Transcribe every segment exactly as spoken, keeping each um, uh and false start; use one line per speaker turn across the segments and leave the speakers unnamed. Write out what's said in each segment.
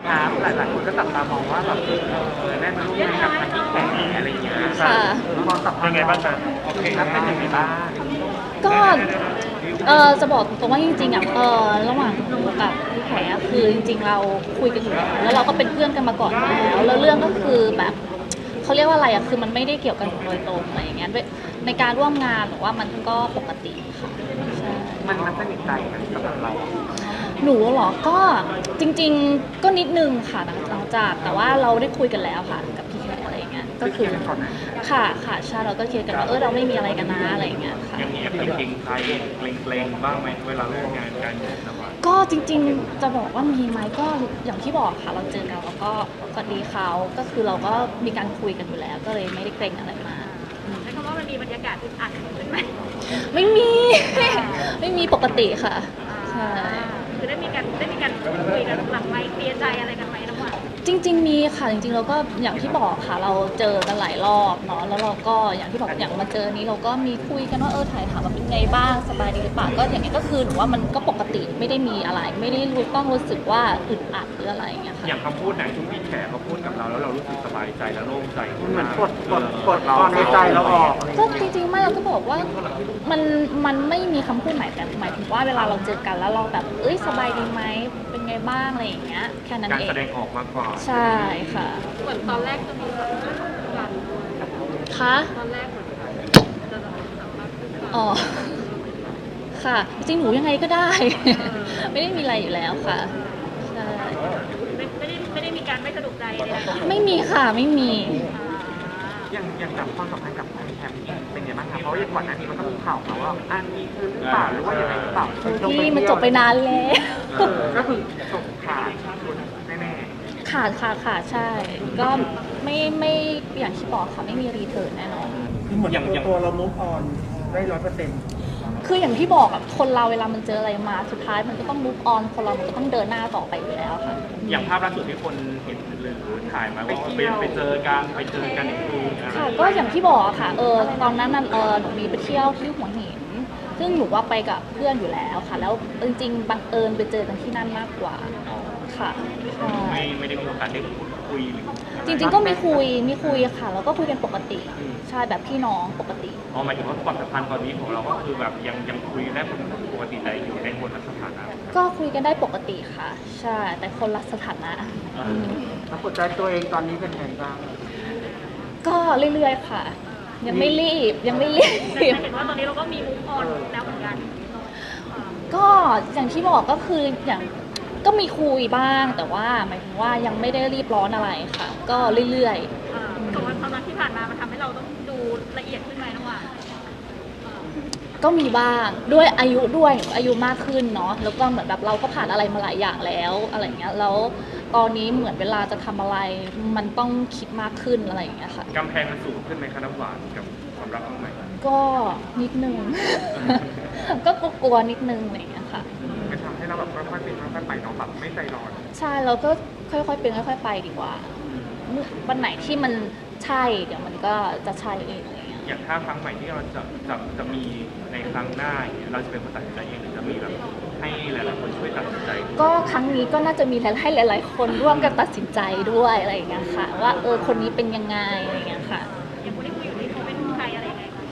ครับหลายๆคนก็จับตามองว่าแบบเออได้มาร่วมงานกับทางที่แข่งอะไรอย่างเงี้ย
ค่ะ
มองสัมพันธ์ยังไงบ้างครับโอเคครับเป็นยังไงบ้าง
ก็เออจะบอกตรงว่าจริงๆอ่ะเออระหว่างหนูกับพี่แขอะคือจริงๆเราคุยกันอยู่แล้วแล้วเราก็เป็นเพื่อนกันมาก่อนแล้วแล้วเรื่องก็คือแบบเขาเรียกว่าอะไรอ่ะคือมันไม่ได้เกี่ยวกันโดยตรงอะไรอย่างเงี้ยด้วยในการร่วมงานหรือว่ามันก็ปกติค่ะใช่
มันมันสนิทใจกันสำหรับเรา
หนูเหรอก็จริงๆก็นิดนึงค่ะหลังหลังจากแต่ว่าเราได้คุยกันแล้วค่ะกับพี่แขกอะไรอย่างเงี้ยก็คือค่ะค่ะใช่เราก็เคลียร์กันว่าเออเราไม่มีอะไรกันนะอะไรอย่างเงี้ยค่ะ
ยังมีแอบเกรงใจเกรงๆบ้างไหมเวลาร่วมงานกันนะว่า
ก็จริงๆจะบอกว่ามีไหมก็อย่างที่บอกค่ะเราเจอกันแล้วก็สวัสดีเขาก็คือเราก็มีการคุยกันอยู่แล้ว ก็เลยไม่ได้เกรงอะไรมาก
ใช้คำว่ามันมีบรรยากาศอึดอัดเลยไหม
ไม่มี ไม่มีปกติค่ะใช่
คือได้มีการได้มีการคุยกันหลังไมค์เคลียร์ใจอะไรกันไหมน้องหวาน
จริง ๆ มีค่ะจริงๆเราก็อย่างที่บอกค่ะเราเจอกันหลายรอบเนาะแล้วเราก็อย่างที่บอกอย่างมาเจอนี้เราก็มีคุยกันว่าเออถ่ายถามว่าเป็นไงบ้างสบายดีหรือเปล่าก็อย่างนี้ก็คือหนูว่ามันก็ปกติไม่ได้มีอะไร ไม่ได้รู้ต้องรู้สึกว่าอึดอัดหรืออะไรอย่างเงี้ยค่ะ
อย่างคำพูดไหนที่พี่แขกเขาพูดกับเราแล้วเรารู้สึกสบายใจและโล่งใจ
เหมือนกดกดกดความในใจเราออกอะไรอย่าง
ก็
เงี้ย
จริงๆไม่เราก็บอกว่ามันมันไม่มีคำพูดไหนแต่หมายถึงว่าเวลาเราเจอกันแล้วเราแบบเอ้ยสบายดีไหมเป็นไงบ้างอะไรอย่างเงี้ยแค่นั้น
การ
เอ
แส
ง
ดงออกมากกว่า
ใช่ค่ะ
เหมือนตอนแรกจะมีกัน
คะ
ตอนแรกเหมือนจะสัมภาษณ์
อ๋อค่ะจริงหนูยังไงก็ได้ ไม่ได้มีอะไรอยู่แล้วค่ะใช่
ไม่ไม่ได้ไม่ได้มีการไม่สะดวกใจเลยนะ
ไม่มีค่ะไม่มี
อย่างอย่างกับความสัมพันธ์กับทางแคมป์เป็นยังไงบ้างครับเพราะว่าอย่างก่อนหน้านี้มันก็มีข่าวมาว่าอันนี้คือหรือเปล่าหรือว่ายังไงหรือเปล่า
พี่มันจบไปนานแล้ว
เออก็คือจบขาดแน่
ขาดค่ะขาดใช่ ก็ไม่ไม่อย่างที่บอกค่ะไม่มีรีเทิร์นแน่นอน
คือเหมือนตัวตัวเรามุกออนได้ร้อยเปอร์เซ็นต์
คืออย่างที่บอกอะคนเราเวลามันเจออะไรมาสุดท้ายมันก็ต้อง move on คนเรามันก็ต้องเดินหน้าต่อไปอยู่แล้วค่ะ
อย่างภาพล่าสุดที่คนเห็นหรือถ่ายมาว่าไปไปเจอกันไปเจอกันอีกทีอะไร
ค่ะก็อย่างที่บอกอะค่ะเออตอนนั้นน่ะเออหนูมีไปเที่ยวที่หัวหินซึ่งหนูว่าไปกับเพื่อนอยู่แล้วค่ะ แล้วจริงๆบังเอิญไปเจอกันที่นั่นมากกว่าค่ะใช่
ไม่ไม่ได้มีโอกาสได้พูดคุยหรือ
จริงๆก็มีคุยมีคุยค่ะแล้วก็คุยกันปกติใช่แบบพี่น้องปกติ
อ๋อหมายถึงว่าความสัมพันธ์ตอนนี้ของเราก็คือแบบยังยังคุยได้ปกติได้อยู่ในคนละสถานะ
ก็คุยกันได้ปกติค่ะ ใช่แต่คนละสถานะอืม
แล้วกดใจตัวเองตอนนี้เป็นไงบ้าง
ก็เรื่อยๆค่ะ ยังไม่รีบยังไม่รี
แต่
บ
เห็นว่าตอนนี้เราก็มีมุกออนแล้วเหมือนกัน
ก็อย่างที่บอกก็คืออย่างก็มีคุยบ้างแต่ว่าหมายถึงว่ายังไม่ได้รีบร้อนอะไรค่ะ ก็เรื่อย
อ่าแต่ว่าความรักที่ผ่านมามันทำให้เราต้องดูละเอียดขึ้นไหมน้องหวาน
ๆ ก็มีบ้างด้วยอายุด้วยอายุมากขึ้นเนาะแล้วก็เหมือนแบบเราก็ผ่านอะไรมาหลายอย่างแล้วอะไรเงี้ยแล้วตอนนี้เหมือนเวลาจะทำอะไรมันต้องคิดมากขึ้นอะไรอย่างเงี้ยค่ะ
กำแพงมันสูงขึ้นไหมคะน้ำหวานกับความรักของใหม่
ก็นิดนึง ก็กลัวๆนิดนึงอะไรอย่างเงี้ยค่ะ
จะทำให้เราแบบค่อยๆเป็นค่อยๆไปเนาะแบบไม่ใจร้อน
ใช่เราก็ค่อยๆเป็นค่อยๆไปดีกว่าเมื่อวันไหนที่มันใช่เดี๋ยวมันก็จะใช่เองอะไรเงี้ย
อย่างถ้าครั้งใหม่ที่เราจะจะจะมีในครั้งหน้าอย่างเงี้ยเราจะเป็นคนตัดสินใจเองหรือจะมีแบบให้หลายๆคนช่วยตัดสินใจ
ก็ครั้งนี้ก็น่าจะมีให้หลาย ๆ คนร่วมกันตัดสินใจด้วยอะไรอย่างเงี้ยค่ะ ว่าเออคนนี้เป็นยังไงอะไรอย่างเงี้ยค่ะ
อย่างคนที่คุยอยู่นี่เขาเป็นใครอะไรยังไงคะ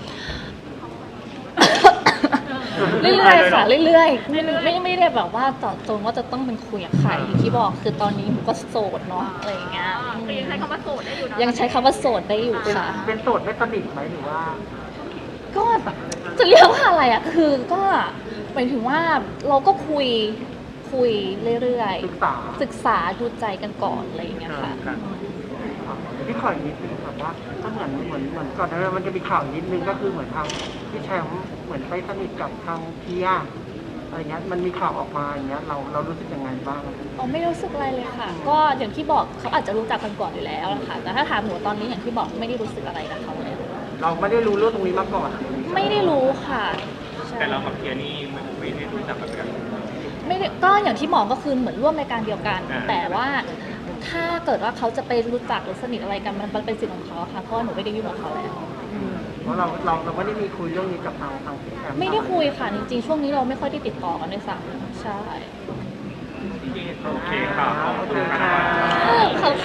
เรื่อยๆค่ะเรื่อยๆไม่ไม่ไม่ได้แบบว่าเจาะจงว่าจะต้องเป็นคุยกับใครอย่างที่บอกคือตอนนี้หนูก็โสดเนาะอะไรอย่างเงี้ย
อ่าคือยังใช้คำว่าโสดได้อยู่เนาะ
ยังใช้คำว่าโสดได้อยู่
เป็น
ค่ะ
เป็นโสดไม่สนิทไหมหรือว่า
ก็จะเรียกว่าอะไรอ่ะคือก็หมายถึงว่าเราก็คุยคุยเรื่อย
ศึกษา
ๆศึกษาดูใจกันก่อนอะไรอย่างเงี้ยค่ะ
ครับ
พี่ขออีกนิดนึงครับว่าก็เหมือนเหมือนเหมือนก่อนหน้านั้นมันจะมีข่าวนิดนึงก็คือเหมือนทางพี่แชมป์เหมือนไปสนิทกับทางเพียอะไรเงี้ยมันมีข่าวออกมาอย่างเงี้ยเราเรารู้สึกยังไงบ้าง
อ๋อไม่รู้สึกอะไรเลยค่ะ ก็อย่างที่บอกเขาอาจจะรู้จักกันก่อนอยู่แล้วล่ะค่ะแต่ถ้าถามหนูตอนนี้อย่างที่บอกไม่ได้รู้สึกอะไรกับเขาเลย
เราไม่ได้รู้เรื่องตรงนี้มาก่อน
ไม่ได้รู้ค่ะใช่
แต่เรากับเพียนี่ไม่ไม่ได้รู้จักกัน
ไม่ได้ก็อย่างที่บอกก็คือเหมือนร่วมในการเดียวกัน
อ่า
แต่ว่าถ้าเกิดว่าเขาจะไปรู้จักหรือสนิทอะไรกันมันเป็นสิทธิ์ของเขาค่ะเพราะว่าหนูไม่ได้ยุ่งกับเขาแล้ว
เพราะเราเราเราไม่ได้มีคุยเรื่องนี้กับทางทางพี่แชมป์
ไม่ได้คุยค่ะจริงๆช่วงนี้เราไม่ค่อยได้ติดต่อกันด้วยซ้ำใช่
โอเคค่ะขอบคุณค่ะ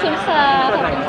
คุณค่ะขอบคุณ